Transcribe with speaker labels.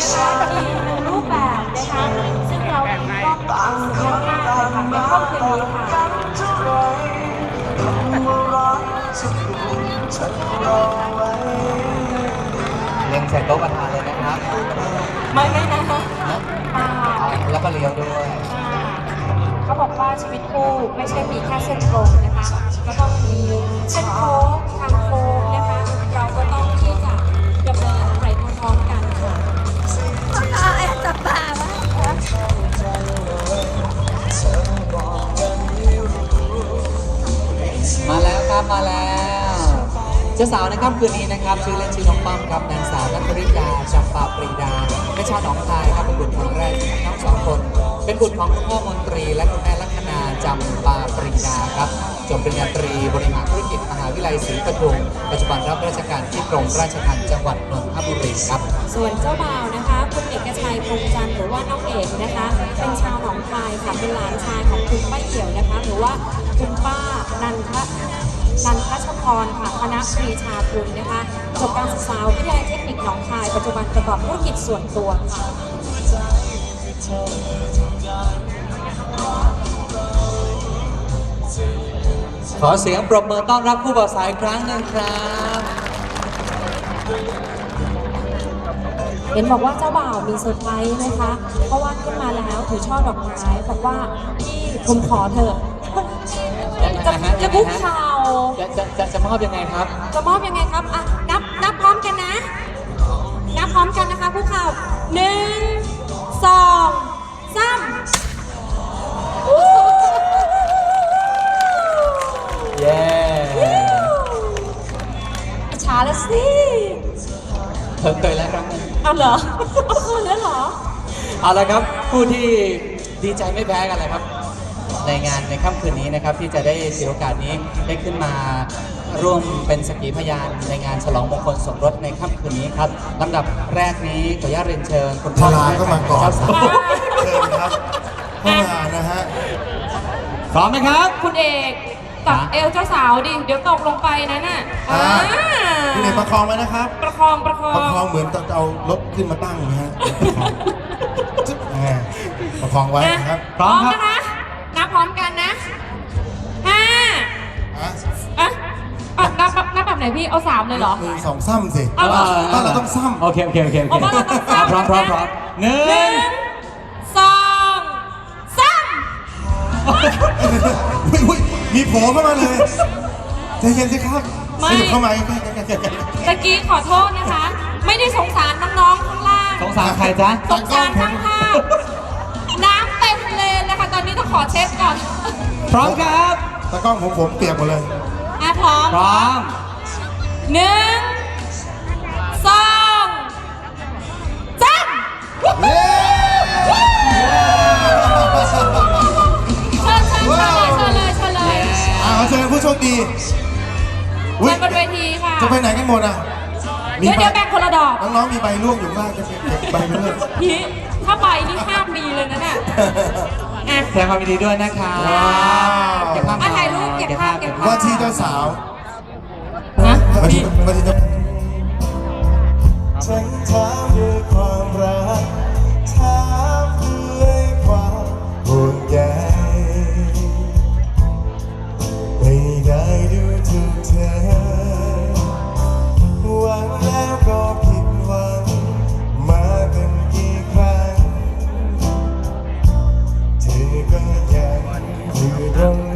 Speaker 1: นะคะมีหนึ่งรูปแบบนะคะซึ่งเราเองก็เอาเยอะมากเลยค่ะในค่ำคืนนี้ค่ะ
Speaker 2: เล็งใส่โต๊ะประธานเลยนะครับ
Speaker 1: ไม่นะคะ
Speaker 2: แล้วก็เลี้ยวด้วย
Speaker 1: เขาบอกว่าชีวิตคู่ไม่ใช่มีแค่เส้นตรงนะคะก็ต้องมีเส้นโค้งทางโค้งนะคะเราก็ต้องที่จะดำเนินไปพร้อมๆกันค่ะแอบจับตาวะ
Speaker 2: มาแล้วครับมาแล้วเจ้าสาวในค่ำคืนนี้นะครับชื่อเล่นชื่อน้องป้อมครับนางสาวนัทธริกาจำปาปรีดาเป็นชาวหนองคายครับเป็นบุตรคนแรกของทั้งสองคนเป็นบุตรของคุณพ่อมนตรีและคุณแม่ลัคนาจำปาปรีดาครับจบปริญญาตรีบริหารธุรกิจมหาวิทยาลัยศรีปทุมปัจจุบันรับราชการที่กรมราชทัณฑ์จังหวัดนนทบุรีครับ
Speaker 1: ส่วนเจ้าบ่าวนะคะคุณเอกชัยพงจันทร์หรือว่าน้องเอกนะคะเป็นชาวหนองคายค่ะเป็นหลานชายของคุณป้าเอี่ยวนะคะหรือว่าคุณป้านันทชพรค่ะคณะปรีชาคุณนะคะจบการศึกษาวิทยาลัยเทคนิคหนองคายปัจจุบันประกอบธุรกิจส่วนตัวค่ะ
Speaker 2: ขอเสียงปรบมือต้อนรับผู้บ่าวสาวอีกครั้งหนึ่งครับ
Speaker 1: เห็นบอกว่าเจ้าบ่าวมีเซอร์ไพรส์นะคะ เพราะว่าขึ้นมาแล้วถือช่อดอกไม้บอกว่าพี่ผมขอเถอะจะคุกเข่า
Speaker 2: จะมอบยังไงครับ
Speaker 1: จะมอบยังไงครับอ่ะนับพร้อมกันนะนับพร้อมกันนะคะคุกเข่า1 2 3
Speaker 2: เย้
Speaker 1: ช้าแล้วสิ
Speaker 2: เคยแล้วครับ
Speaker 1: เอาเหรอเคยแล้วเหรอ
Speaker 2: เอาละครับผู้ที่ดีใจไม่แพ้กันเลยครับในงานในค่ำคืนนี้นะครับที่จะได้ถือโอกาสนี้ได้ขึ้นมาร่วมเป็นสักขีพยานในงานฉลองมงคลสมรสในค่ำคืนนี้ครับลำดับแรกนี้ขออนุญาตเรียนเชิญคุณพ่อ
Speaker 3: เข้ามาก่อน
Speaker 2: เจ้าสาว
Speaker 3: เชิญครับเข้ามานะฮะ
Speaker 2: พร้อมไหมครับ
Speaker 1: คุณเอกตักเอวเจ้าสาวดิเดี๋ยวตกลงไปนะน่ะ
Speaker 3: คุณเอกประคองไว้นะครับ
Speaker 1: ประคอง
Speaker 3: เหมือนจะเอารถขึ้นมาตั้งนะฮะประคองไว้นะครับ
Speaker 1: พร้อมนะคะนับพร้อมกันนะนับแบบไหนพี่เอา3เลยเหรอ
Speaker 3: 2 ซ้ำสิบ้านเราต้องซ้ำ
Speaker 2: โอเค
Speaker 1: บ้านเราต้องซ้ำ
Speaker 2: พร้อม1 2 3
Speaker 3: มีโผล่เข้ามาเลยใจเย็นสิครับไม่เข้ามา
Speaker 1: ตะกี้ขอโทษนะคะไม่ได้สงสารน้องๆข้างล่าง
Speaker 2: สงสารใครจ๊ะ
Speaker 1: สงสารทั้งภาพน้ำเต็มเลยนะคะตอนนี้ต้องขอเช็ดก่อน
Speaker 2: พร้อมครับ
Speaker 3: ตากล้องผมเปียกหมดเลย
Speaker 1: พร้อม
Speaker 2: 1 2 3
Speaker 3: เชิญผู้โชคดี
Speaker 1: เชิญบนเวทีค่ะ
Speaker 3: จะไปไหนกันหมดอ่ะ
Speaker 1: เดี๋ยวแบ่งคนละดอก
Speaker 3: น้องๆมีใบล่วงอยู่ข้างล่างจะเก็บใบไปเลย
Speaker 1: พี่ถ้าใบนี่ห้ามมีเลยนะเนี่ย
Speaker 2: แสดงความยินดีด้วยนะคะ
Speaker 1: เก็บภาพถ่ายรูปเก็บภาพ
Speaker 3: ว่าที่เจ้าสาวว่าที่เจ้าฉันถามด้วยความรักถามด้วยความห่วงใยไม่ได้ดูถูกเธอหวังแล้วก็ผิดหวังมากันกี่ครั้งเธอก็ยังอยู่ตรง